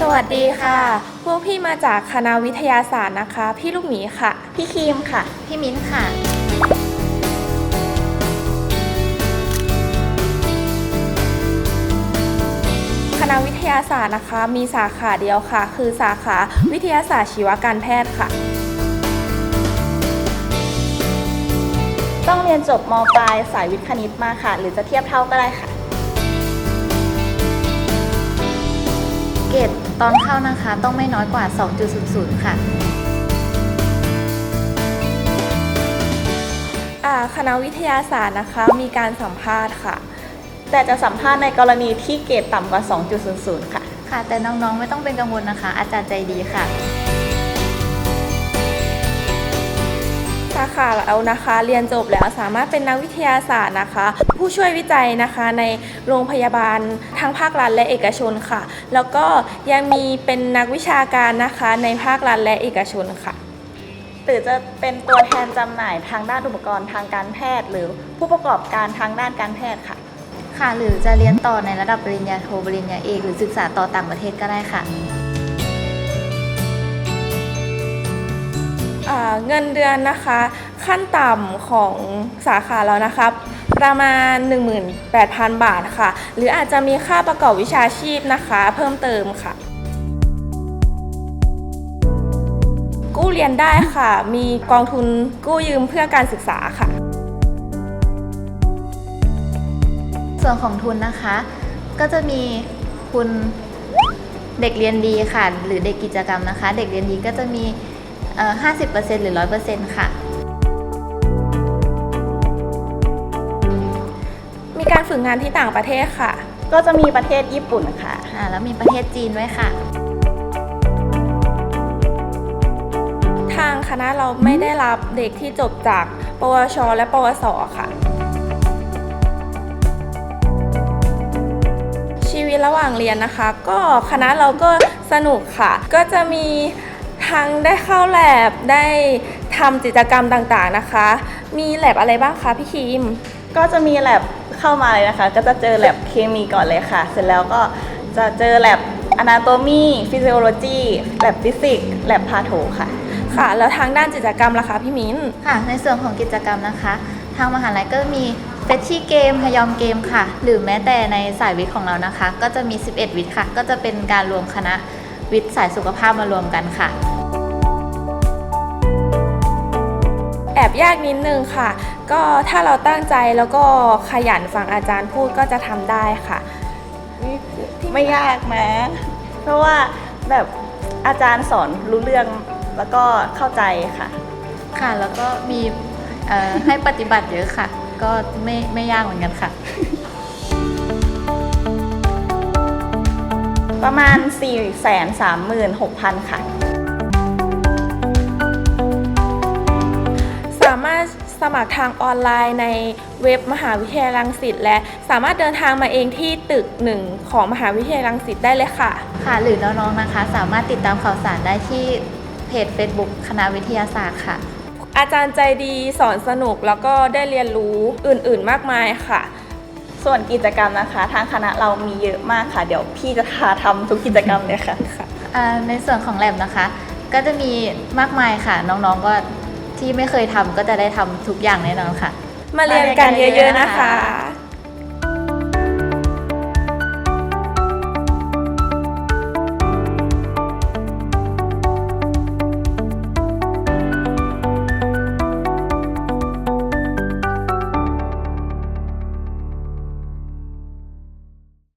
วัสดีค่ะ พวกพี่มาจากคณะวิทยาศาสตร์นะคะ พี่ลูกหมีค่ะพี่ครีมค่ะพี่มิ้นค่ะคณะวิทยาศาสตร์นะคะ มีสาขาเดียวค่ะ คือสาขาวิทยาศาสตร์ชีวการแพทย์ค่ะต้องเรียนจบม.ปลายสายวิทย์คณิตมาค่ะ หรือจะเทียบเท่าก็ได้ค่ะเกรดตอนเข้านะคะต้องไม่น้อยกว่า 2.00 ค่ะคณะวิทยาศาสตร์นะคะ มีการสัมภาษณ์ค่ะแต่จะสัมภาษณ์ในกรณีที่เกรดต่ำกว่า 2.00 ค่ะค่ะ แต่น้องๆไม่ต้องเป็นกังวลนะคะ อาจารย์ใจดีค่ะสาขาเรานะคะเรียนจบแล้วสามารถเป็นนักวิทยาศาสตร์นะคะ ผู้ช่วยวิจัยนะคะในโรงพยาบาลทั้งภาครัฐและเอกชนค่ะ แล้วก็ยังมีเป็นนักวิชาการนะคะในภาครัฐและเอกชนค่ะหรือจะเป็นตัวแทนจำหน่ายทางด้านอุปกรณ์ทางการแพทย์ หรือผู้ประกอบการทางด้านการแพทย์ค่ะค่ะ หรือจะเรียนต่อในระดับปริญญาโทปริญญาเอกหรือศึกษาต่อต่างประเทศก็ได้ค่ะเงินเดือนนะคะขั้นต่ำของสาขาเรานะคะประมาณ 18,000 บาทค่ะหรืออาจจะมีค่าประกอบวิชาชีพนะคะเพิ่มเติมค่ะกู้เรียนได้ค่ะมีกองทุนกู้ยืมเพื่อการศึกษาค่ะส่วนของทุนนะคะ ก็จะมีทุนเด็กเรียนดีค่ะ หรือเด็กกิจกรรมนะคะ เด็กเรียนดีก็จะมี50% หรือ 100% ค่ะมีการฝึกงานที่ต่างประเทศค่ะก็จะมีประเทศญี่ปุ่นค่ะแล้วมีประเทศจีนด้วยค่ะทางคณะเราไม่ได้รับเด็กที่จบจากปวช และปวส ค่ะชีวิตระหว่างเรียนนะคะ ก็คณะเราก็สนุกค่ะ ก็จะมีทั้งได้เข้าแลบได้ทำกิจกรรมต่างๆนะคะ มีแลบอะไรบ้างคะพี่คิมก็จะมีแลบเข้ามาเลยนะคะ ก็จะเจอแลบเคมีก่อนเลยค่ะ เสร็จแล้วก็จะเจอแลบ Anatomy Physiology แลบฟิสิกส์แลบพาโถค่ะค่ะ แล้วทางด้านกิจกรรมล่ะคะพี่มิ้นค่ะ ในส่วนของกิจกรรมนะคะ ทางมหาลัยก็มีเฟชชี่เกม ฮยอมเกมค่ะ หรือแม้แต่ในสายวิทย์ของเรานะคะ ก็จะมี 11 วิทย์ค่ะ ก็จะเป็นการรวมคณะวิทย์สายสุขภาพมารวมกันค่ะแอบยากนิดนึงค่ะ ก็ถ้าเราตั้งใจแล้วก็ขยันฟังอาจารย์พูดก็จะทำได้ค่ะไม่ยากนะ เพราะว่าแบบอาจารย์สอนรู้เรื่องแล้วก็เข้าใจค่ะค่ะ แล้วก็มีให้ปฏิบัติเยอะค่ะ ก็ไม่ยากเหมือนกันค่ะประมาณ 436,000 ค่ะสามารถสมัครทางออนไลน์ในเว็บมหาวิทยาลัยรังสิตและสามารถเดินทางมาเองที่ตึก 1 ของมหาวิทยาลัยรังสิตได้เลยค่ะค่ะ หรือน้องๆนะคะ สามารถติดตามข่าวสารได้ที่เพจ Facebook คณะวิทยาศาสตร์ค่ะอาจารย์ใจดีสอนสนุกแล้วก็ได้เรียนรู้อื่นๆมากมายค่ะส่วนกิจกรรมนะคะ ทางคณะเรามีเยอะมากค่ะ เดี๋ยวพี่จะพาทำทุกกิจกรรมเลยค่ะในส่วนของแลบนะคะ ก็จะมีมากมายค่ะ น้องๆก็ที่ไม่เคยทำก็จะได้ทำทุกอย่างแน่นอนค่ะมาเรียนกันเยอะๆนะคะ